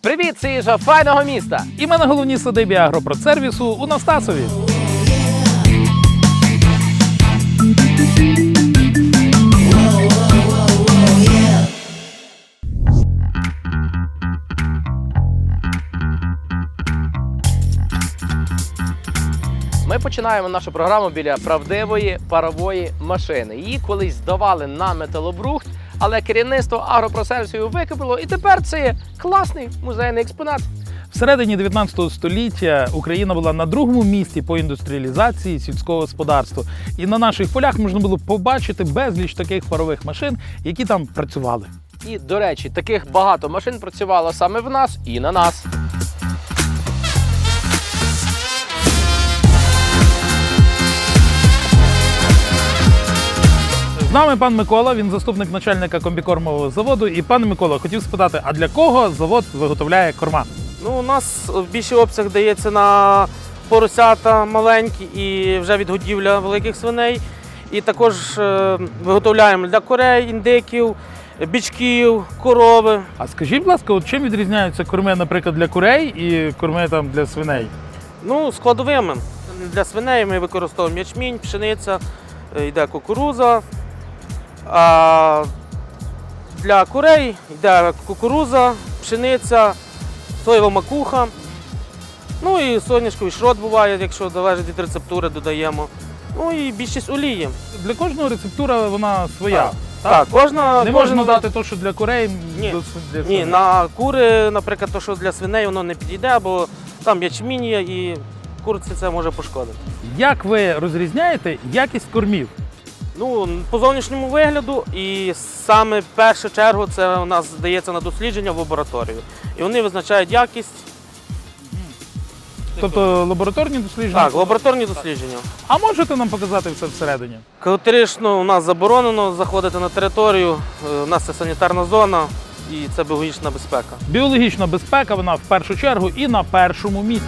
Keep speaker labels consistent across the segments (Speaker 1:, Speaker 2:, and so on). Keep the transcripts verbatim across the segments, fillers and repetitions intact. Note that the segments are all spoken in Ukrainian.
Speaker 1: Привіт, це їжа файного міста!
Speaker 2: І ми на головній садибі агропродсервісу у Настасові.
Speaker 1: Ми починаємо нашу програму біля правдивої парової машини. Її колись здавали на металобрухт, але керівництво агропродсервісу викупило, і тепер це є класний музейний експонат.
Speaker 2: Всередині дев'ятнадцятого століття Україна була на другому місці по індустріалізації сільського господарства. І на наших полях можна було побачити безліч таких парових машин, які там працювали.
Speaker 1: І, до речі, таких багато машин працювало саме в нас і на нас.
Speaker 2: З нами пан Микола, він заступник начальника комбікормового заводу. І, пане Микола, хотів спитати, а для кого завод виготовляє корма?
Speaker 3: Ну, у нас більший обсяг дається на поросята маленькі і вже відгодівля великих свиней. І також е, виготовляємо для курей, індиків, бічків, корови.
Speaker 2: А скажіть, будь ласка, от чим відрізняються корми, наприклад, для курей і корми там для свиней?
Speaker 3: Ну, складовими. Для свиней ми використовуємо ячмінь, пшениця, е, йде кукуруза. А для курей йде кукуруза, пшениця, соєва макуха. Ну і соняшковий шрот буває, якщо залежить від рецептури, додаємо. Ну і більшість олії.
Speaker 2: Для кожного рецептура вона своя.
Speaker 3: Так, так, кожна,
Speaker 2: Не
Speaker 3: кожен
Speaker 2: можна дати те, що для курей,
Speaker 3: Ні.
Speaker 2: до св- для
Speaker 3: Ні,
Speaker 2: свиней.
Speaker 3: на кури, наприклад, то, що для свиней, воно не підійде, бо там ячмінь є і курці це може пошкодити.
Speaker 2: Як ви розрізняєте якість кормів?
Speaker 3: Ну, по зовнішньому вигляду і саме в першу чергу це у нас здається на дослідження в лабораторію. І вони визначають якість.
Speaker 2: Тобто лабораторні дослідження?
Speaker 3: Так, лабораторні дослідження.
Speaker 2: А можете нам показати все всередині?
Speaker 3: Категорично у нас заборонено заходити на територію, е, у нас це санітарна зона і це біологічна безпека.
Speaker 2: Біологічна безпека, вона в першу чергу і на першому місці.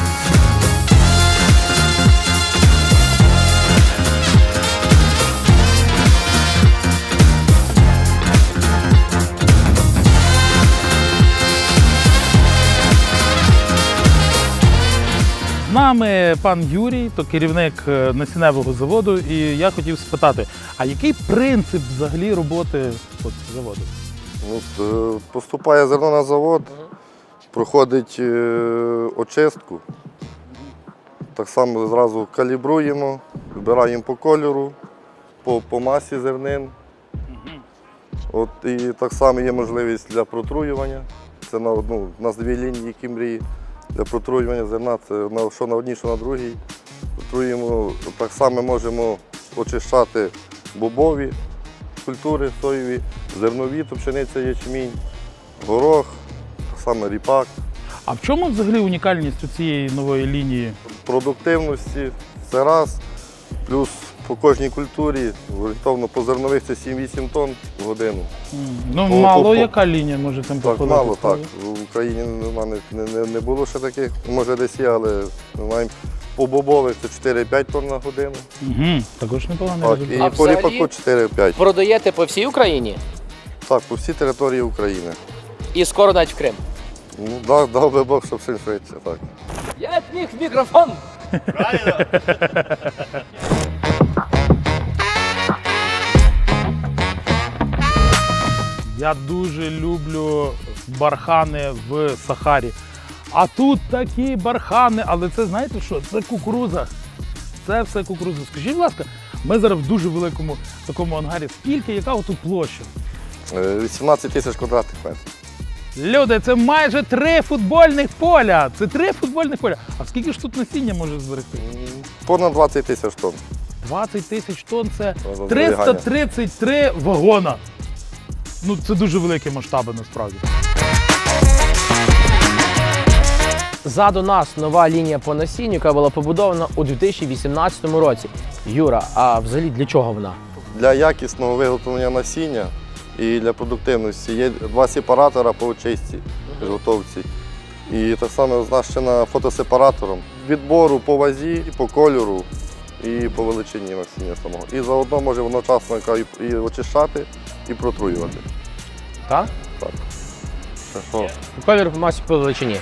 Speaker 2: З нами пан Юрій, то керівник е, насінневого заводу, і я хотів спитати, а який принцип взагалі роботи от, заводу?
Speaker 4: От, е, поступає зерно на завод, проходить е, очистку. Так само зразу калібруємо, вибираємо по кольору, по, по масі зернин. От, і так само є можливість для протруювання. Це на одну, у нас дві лінії кімбрії. Для протруювання зерна, це на, що на одній, що на другій. Протруємо, так само можемо очищати бобові культури соєві, зернові, то пшениця, ячмінь, горох, так само ріпак.
Speaker 2: А в чому взагалі унікальність у цієї нової лінії?
Speaker 4: Продуктивності це раз, плюс по кожній культурі, орієнтовно по зернових це сім-вісім тонн в годину.
Speaker 2: Ну,
Speaker 4: По-
Speaker 2: мало
Speaker 4: по- по-
Speaker 2: яка лінія може там
Speaker 4: Так,
Speaker 2: походити?
Speaker 4: мало так. В Україні нема, не, не, не було ще таких, може десь є, але ми маємо по бобових це чотири-п'ять тонн на годину.
Speaker 2: Угу, також непоганий
Speaker 4: Так,
Speaker 2: результат.
Speaker 4: і по
Speaker 1: взагалі?
Speaker 4: ріпаку чотири-п'ять.
Speaker 1: Продаєте по всій Україні
Speaker 4: Так, по всій території України.
Speaker 1: і скоро навіть в Крим.
Speaker 4: Ну, дав, дав би Бог, щоб все швидше. Так.
Speaker 1: Я міг мікрофон!
Speaker 2: Я дуже люблю бархани в Сахарі. А тут такі бархани, але це знаєте що? Це кукурудза. Це все кукурудза. Скажіть, будь ласка, ми зараз в дуже великому такому ангарі. Скільки, яка тут площа?
Speaker 4: Е, вісімнадцять тисяч квадратних метрів.
Speaker 2: Люди, це майже три футбольних поля. Це три футбольних поля. А скільки ж тут насіння може зберегти?
Speaker 4: М, Понад двадцять тисяч тонн.
Speaker 2: двадцять тисяч тонн – це
Speaker 4: Разом
Speaker 2: триста тридцять три вагона. Ну, це дуже великі масштаби насправді.
Speaker 1: Ззаду нас нова лінія по насінню, яка була побудована у дві тисячі вісімнадцятому році. Юра, а взагалі для чого вона?
Speaker 4: Для якісного виготовлення насіння і для продуктивності є два сепаратора по очистці, підготовці. І так само оснащена фотосепаратором відбору по вазі, по кольору і по величині насіння самого. І заодно може одночасно і очищати, і протруювати.
Speaker 1: Так?
Speaker 4: Так. О,
Speaker 1: Колір в масі по величині.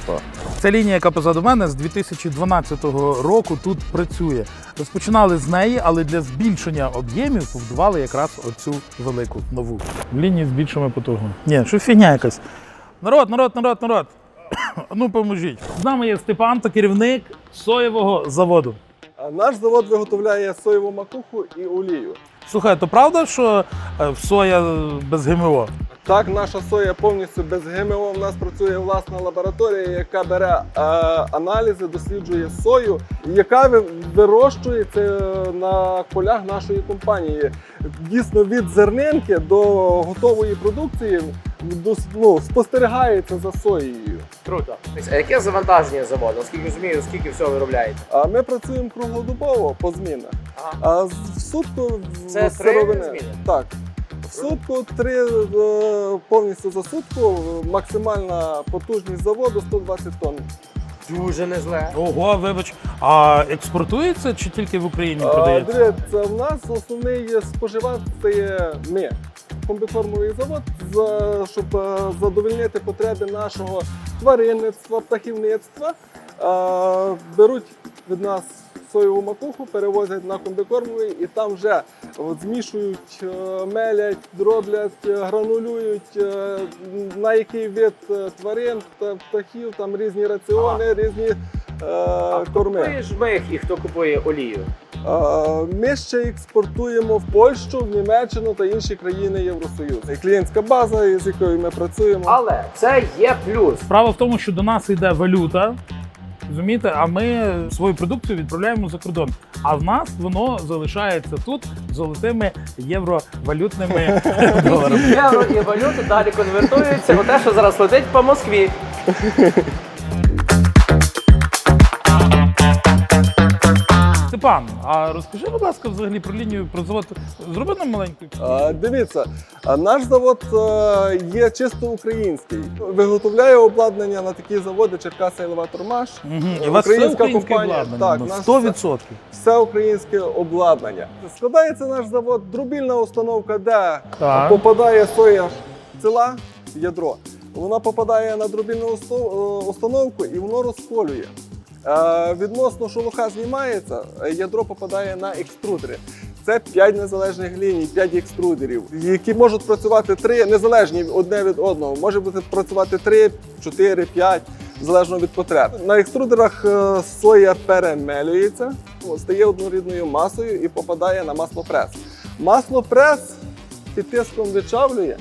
Speaker 2: Ця лінія, яка позаду мене, з дві тисячі дванадцятого року тут працює. Розпочинали з неї, але для збільшення об'ємів побудували якраз оцю велику нову. Лінії з більшими потугами. Ні, що фігня якась. Народ, народ, народ, народ. Ну поможіть. З нами є Степан, та керівник соєвого заводу.
Speaker 5: Наш завод виготовляє соєву макуху і олію.
Speaker 2: Слухай, то правда, що е, соя без ГМО?
Speaker 5: Так, наша соя повністю без ГМО. У нас працює власна лабораторія, яка бере е, аналізи, досліджує сою, яка ви- вирощується на полях нашої компанії. Дійсно, від зернинки до готової продукції дос- ну, спостерігається за соєю.
Speaker 1: Круто. А яке завантаження заводу? Наскільки розумію, скільки всього виробляєте?
Speaker 5: А ми працюємо круглодобово по змінах.
Speaker 1: Ага.
Speaker 5: А з- в сутку в-
Speaker 1: Це три
Speaker 5: сировини.
Speaker 1: зміни?
Speaker 5: Так. В сутку три е, повністю за сутку. Максимальна потужність заводу сто двадцять тонн.
Speaker 1: Дуже не зле.
Speaker 2: Ого, вибач. А експортується чи тільки в Україні
Speaker 5: А,
Speaker 2: продається?
Speaker 5: Дивіться, в нас основний споживач це є ми. Комбікормовий завод, за- щоб е, задовольнити потреби нашого тваринництва, птахівництва. Е, Беруть від нас соєву макуху, перевозять на комбікормовий і там вже от, змішують, е, мелять, дроблять, е, гранулюють, е, на який вид е, тварин та птахів, там різні раціони, різні е, корми.
Speaker 1: Купуєш мих і хто купує олію?
Speaker 5: Е, Ми ще експортуємо в Польщу, в Німеччину та інші країни Євросоюзу. Це клієнтська база, з якою ми працюємо.
Speaker 1: Але це є плюс.
Speaker 2: Справа в тому, що до нас йде валюта, розумієте, а ми свою продукцію відправляємо за кордон. А в нас воно залишається тут золотими євровалютними доларами.
Speaker 1: Євро і валюти далі конвертуються у те, що зараз летить по Москві.
Speaker 2: Степан, а розкажи, будь ласка, взагалі про лінію, про завод. Зроби нам маленьку.
Speaker 5: Е, Дивіться, а наш завод е, є чисто український. Виготовляє обладнання на такі заводи Черкаса Елеватормаш.
Speaker 2: Угу. І у вас все
Speaker 5: Українська
Speaker 2: українське
Speaker 5: компанія.
Speaker 2: обладнання?
Speaker 5: Так,
Speaker 2: на
Speaker 5: наш
Speaker 2: сто відсотків.
Speaker 5: Все українське обладнання. Складається наш завод дробільна установка, де
Speaker 2: Так.
Speaker 5: попадає соя ціла в ядро. Вона попадає на дробільну усто- е, установку і воно розколює. Е, Відносно шелуха знімається, е, ядро попадає на екструдери. Це п'ять незалежних ліній, п'ять екструдерів, які можуть працювати три незалежні одне від одного. Може бути працювати три, чотири, п'ять, залежно від потреб. На екструдерах е, соя перемелюється, стає однорідною масою і попадає на маслопрес. Маслопрес під тиском вичавлює.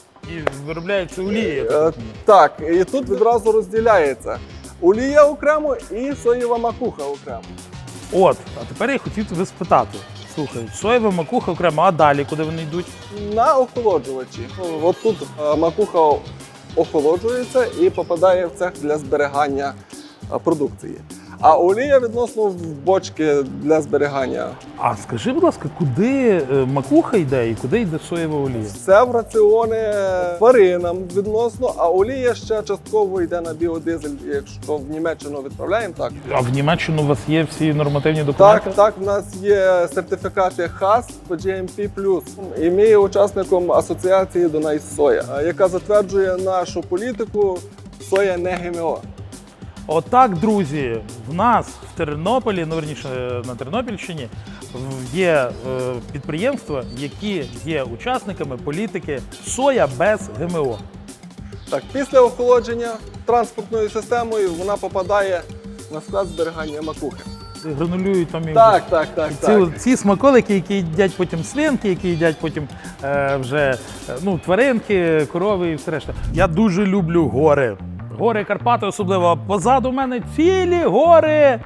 Speaker 2: І виробляється олія. я
Speaker 5: Е,
Speaker 2: так розумію.
Speaker 5: Так, і тут відразу розділяється. Олія окремо і соєва макуха окремо.
Speaker 2: От, а тепер я хотів тебе спитати. Слухай, соєва макуха окремо, а далі куди вони йдуть?
Speaker 5: На охолоджувачі. От тут е, макуха охолоджується і попадає в цех для зберігання е, продукції. А олія відносно в бочки для зберігання.
Speaker 2: А скажи, будь ласка, куди е, макуха йде і куди йде соєва олія?
Speaker 5: Все в раціони тваринам відносно, а олія ще частково йде на біодизель. Якщо в Німеччину відправляємо, так.
Speaker 2: А в Німеччину у вас є всі нормативні документи?
Speaker 5: Так, так, в нас є сертифікати хас по джі ем пі плюс. І ми є учасником асоціації Дунай Соя, яка затверджує нашу політику соя не ГМО.
Speaker 2: Отак, друзі, в нас в Тернополі, ну верніше на Тернопільщині, в- є е, підприємства, які є учасниками політики соя без ГМО.
Speaker 5: Так, після охолодження транспортною системою вона попадає на склад зберігання макухи.
Speaker 2: Гранулюють там і
Speaker 5: Так, так, так,
Speaker 2: ці,
Speaker 5: так.
Speaker 2: ці смаколики, які їдять потім свинки, які їдять потім е, вже е, ну, тваринки, корови і все решта. Я дуже люблю гори. Гори Карпати особливо. А позаду мене цілі гори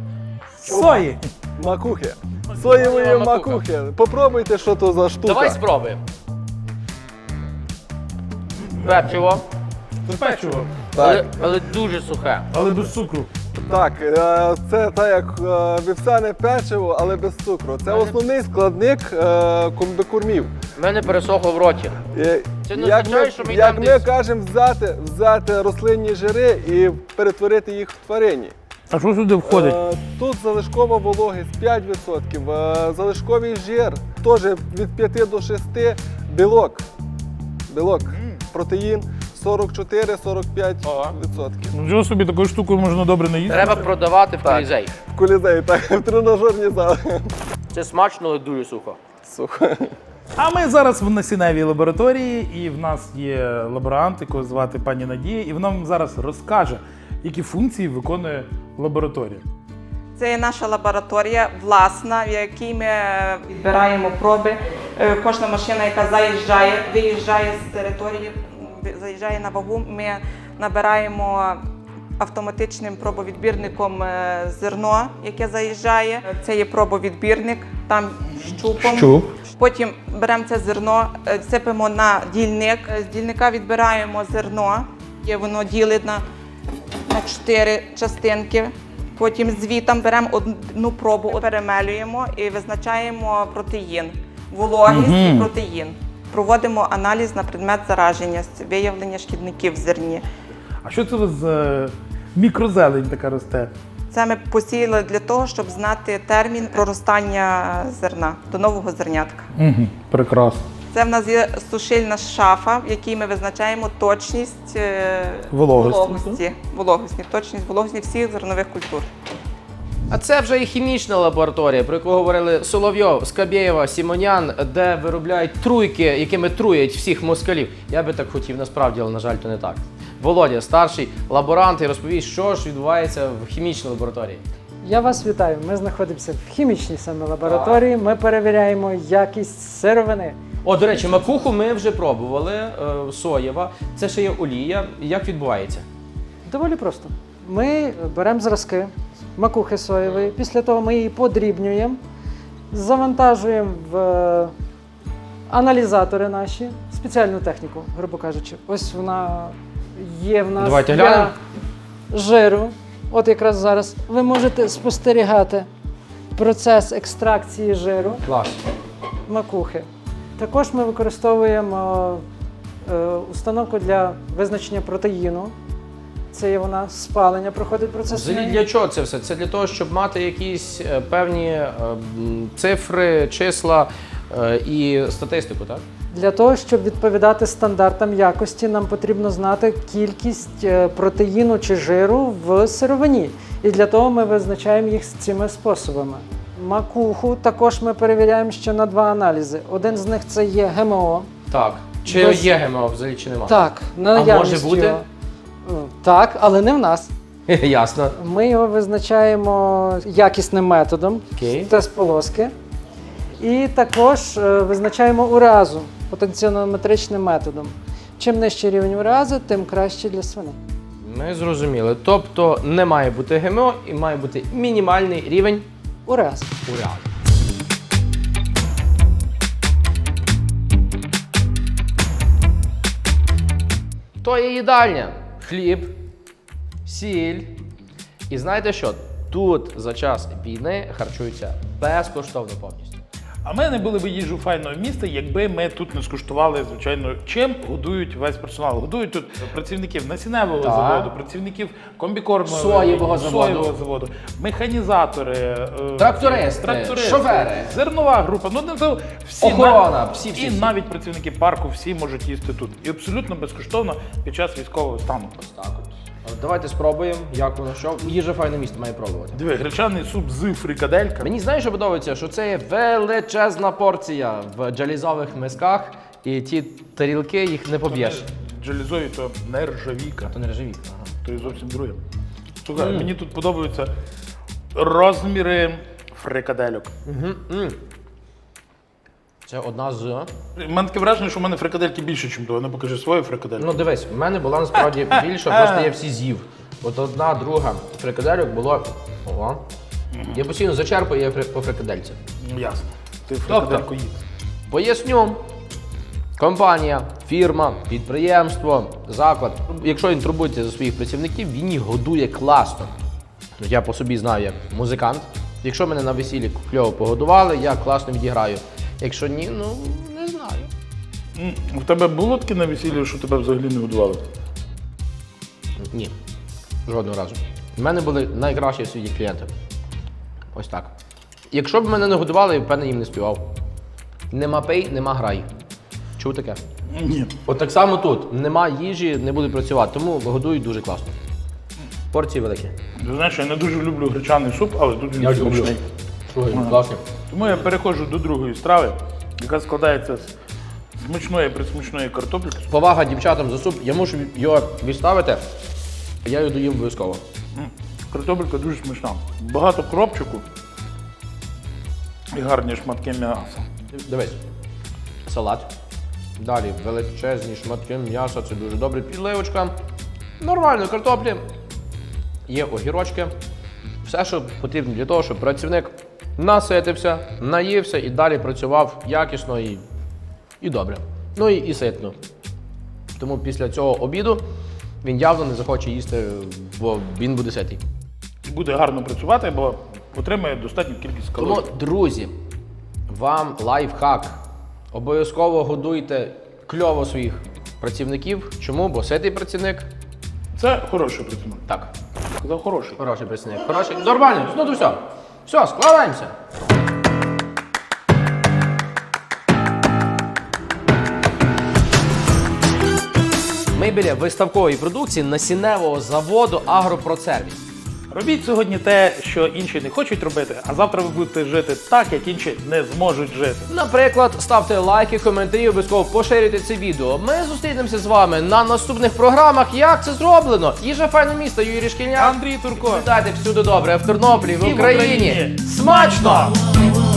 Speaker 2: сої.
Speaker 5: Макухи. Соєвої
Speaker 1: Соєва макуха.
Speaker 5: макухи. Попробуйте, що то за штука.
Speaker 1: Давай спробуємо. Печиво,
Speaker 2: Печиво,
Speaker 1: але,
Speaker 5: Так,
Speaker 1: але дуже сухе.
Speaker 2: але без цукру.
Speaker 5: так, е, це так як е, вівсяне печиво, але без цукру. Це основний складник е, комбікормів.
Speaker 1: В мене пересохло в роті.
Speaker 5: Е,
Speaker 1: Це не
Speaker 5: Як
Speaker 1: означає,
Speaker 5: ми,
Speaker 1: що ми
Speaker 5: як
Speaker 1: йдемо
Speaker 5: ми
Speaker 1: десь.
Speaker 5: кажемо, взяти, взяти рослинні жири і перетворити їх в тварині.
Speaker 2: А що сюди входить?
Speaker 5: Е, Тут залишкова вологість п'ять відсотків, е, залишковий жир теж від п'яти до шести, білок, білок, протеїн, сорок чотири - сорок п'ять відсотків.
Speaker 2: Ну, чого собі, такою штукою можна добре не їсти?
Speaker 1: Треба продавати в
Speaker 5: Так.
Speaker 1: колізей.
Speaker 5: В колізеї, так, в тренажерні зали.
Speaker 1: Це смачно, але дуже сухо.
Speaker 5: Сухо.
Speaker 2: А ми зараз в насінневій лабораторії, і в нас є лаборант, якого звати пані Надія, і вона вам зараз розкаже, які функції виконує лабораторія.
Speaker 6: Це є наша лабораторія власна, в якій ми відбираємо проби. Е, Кожна машина, яка заїжджає, виїжджає з території, м, заїжджає на вагу, ми набираємо автоматичним пробовідбірником е, зерно, яке заїжджає. Це є пробовідбірник, там щупом.
Speaker 2: Щуп.
Speaker 6: Потім беремо це зерно, е, сипемо на дільник. Е, З дільника відбираємо зерно, є воно ділить на, на чотири частинки. Потім звітом беремо одну пробу, перемелюємо і визначаємо протеїн, вологість
Speaker 2: Мгм.
Speaker 6: і протеїн. Проводимо аналіз на предмет зараження, виявлення шкідників в зерні.
Speaker 2: А що це у вас за мікрозелень така росте?
Speaker 6: Це ми посіяли для того, щоб знати термін проростання зерна до нового зернятка.
Speaker 2: Угу, прекрасно.
Speaker 6: Це в нас є сушильна шафа, в якій ми визначаємо точність е,
Speaker 2: Вологості.
Speaker 6: вологості, вологості, точність вологості всіх зернових культур.
Speaker 1: А це вже і хімічна лабораторія, про яку говорили Соловйов, Скабєєва, Сімонян, де виробляють труйки, якими труять всіх москалів. Я би так хотів, насправді, але, на жаль, то не так. Володя, старший лаборант, і розповість, що ж відбувається в хімічній лабораторії.
Speaker 7: Я вас вітаю. Ми знаходимося в хімічній саме лабораторії. Ми перевіряємо якість сировини.
Speaker 1: О, до речі, макуху ми вже пробували, е, соєва. Це ще є олія. Як відбувається?
Speaker 7: Доволі просто. Ми беремо зразки макухи соєвої, після того ми її подрібнюємо, завантажуємо в е, аналізатори наші, спеціальну техніку, грубо кажучи. Ось вона є в нас
Speaker 1: Давайте
Speaker 7: для
Speaker 1: глянемо.
Speaker 7: жиру. От якраз зараз ви можете спостерігати процес екстракції жиру.
Speaker 1: Клас.
Speaker 7: Макухи. Також ми використовуємо е, установку для визначення протеїну. Це є вона спалення, проходить процес.
Speaker 1: Взагалі для чого це все? Це для того, щоб мати якісь е, певні е, м, цифри, числа е, і статистику, так?
Speaker 7: Для того, щоб відповідати стандартам якості, нам потрібно знати кількість е, протеїну чи жиру в сировині. І для того ми визначаємо їх цими способами. Макуху також ми перевіряємо ще на два аналізи. Один з них це є ГМО.
Speaker 1: Так. Чи
Speaker 7: Без-
Speaker 1: є ГМО взагалі, чи нема?
Speaker 7: Так, на
Speaker 1: може
Speaker 7: наявність
Speaker 1: бути?
Speaker 7: його. Е, Так, але не в нас.
Speaker 1: Ясно.
Speaker 7: Ми його визначаємо якісним методом,
Speaker 1: Окей.
Speaker 7: тест полоски. І також е, визначаємо уразу потенціонометричним методом. Чим нижчий рівень урази, тим краще для свиней.
Speaker 1: Ми зрозуміли. Тобто не має бути ГМО і має бути мінімальний рівень
Speaker 7: Ураз.
Speaker 1: урази. То є їдальня. Хліб, сіль. І знаєте що? Тут за час війни харчуються безкоштовно повністю.
Speaker 2: А ми не були б їжу файного міста, якби ми тут не скуштували, звичайно, чим годують весь персонал. Годують тут працівників насінневого
Speaker 1: Так.
Speaker 2: заводу, працівників комбікормового
Speaker 1: Соєвого заводу.
Speaker 2: соєвого заводу, механізатори, е,
Speaker 1: Трактористи,
Speaker 2: трактористи,
Speaker 1: шофери.
Speaker 2: зернова група. Ну не це всі
Speaker 1: Охорона,
Speaker 2: нав-
Speaker 1: всі, всі,
Speaker 2: і
Speaker 1: всі.
Speaker 2: навіть працівники парку всі можуть їсти тут. І абсолютно безкоштовно під час військового стану.
Speaker 1: Так от. Давайте спробуємо, як воно що. Їжа файне місто має пробувати.
Speaker 2: Диви, гречаний суп з фрикадельками.
Speaker 1: Мені знаєш, що подобається, що це є величезна порція в джалізових мисках, і ті тарілки їх не поб'єш.
Speaker 2: Джалізові то нержавійка.
Speaker 1: То не режеві. Ага.
Speaker 2: То і зовсім друге. Слухай, мені тут подобаються розміри фрикадельок.
Speaker 1: Угу. М. Це одна з.
Speaker 2: У мене таке враження, що в мене фрикадельки більше, ніж того. Не покажи свою фрикадельку.
Speaker 1: Ну дивись, в мене була насправді більше, просто я всі з'їв. От одна, друга фрикадельок було. Ого. Я постійно зачерпую я фри- по фрикадельці.
Speaker 2: Ну, ясно. Ти фрикадельку їв.
Speaker 1: Поясню. Компанія, фірма, підприємство, заклад. Якщо він турбується за своїх працівників, він їх годує класно. Ну, я по собі знаю як музикант. Якщо мене на весіллі кльово погодували, я класно відіграю. Якщо ні, ну не знаю.
Speaker 2: М, В тебе було таке на весіллі, що тебе взагалі не годували?
Speaker 1: Ні. Жодного разу. У мене були найкращі в світі клієнти. Ось так. Якщо б мене не годували, я б певне їм не співав. Нема пей, нема грай. Чув таке?
Speaker 2: Ні.
Speaker 1: От так само тут. Нема їжі, не буде працювати, тому годують дуже класно. Порції великі.
Speaker 2: Ти знаєш, я не дуже люблю гречаний суп, але тут він
Speaker 1: Я люблю.
Speaker 2: смачний.
Speaker 1: Слухай, класні.
Speaker 2: Тому я переходжу до другої страви, яка складається з смачної присмачної картопліки.
Speaker 1: Повага дівчатам за суп, я мушу його відставити, я його доїм обов'язково.
Speaker 2: М, Картопелька дуже смачна. Багато кропчику і гарні шматки м'яса.
Speaker 1: Дивись, салат. Далі величезні шматки м'яса, це дуже добре. Підливочка. Нормально, картоплі. Є огірочки. Все, що потрібно для того, щоб працівник наситився, наївся і далі працював якісно і, і добре. Ну і, і ситно. Тому після цього обіду він явно не захоче їсти, бо він буде ситий.
Speaker 2: І буде гарно працювати, бо отримає достатню кількість калорій.
Speaker 1: Тому, друзі, вам лайфхак. Обов'язково годуйте кльово своїх працівників. Чому? Бо ситий працівник.
Speaker 2: Це хороший працівник.
Speaker 1: Так,
Speaker 2: Сказав хороший.
Speaker 1: хороший працівник. Хороший. Нормально, ну то все. Все, складаємося. Ми біля виставкової продукції насінневого заводу «Агропросервіс».
Speaker 2: Робіть сьогодні те, що інші не хочуть робити, а завтра ви будете жити так, як інші не зможуть жити.
Speaker 1: Наприклад, ставте лайки, коментарі, обов'язково поширюйте це відео. Ми зустрінемося з вами на наступних програмах. Як це зроблено? Їжа файне місто, Юрій Шкільняк.
Speaker 2: Андрій Турко.
Speaker 1: Дайте всюди добре, в Тернополі, в
Speaker 2: І в
Speaker 1: Україні.
Speaker 2: Україні.
Speaker 1: Смачно!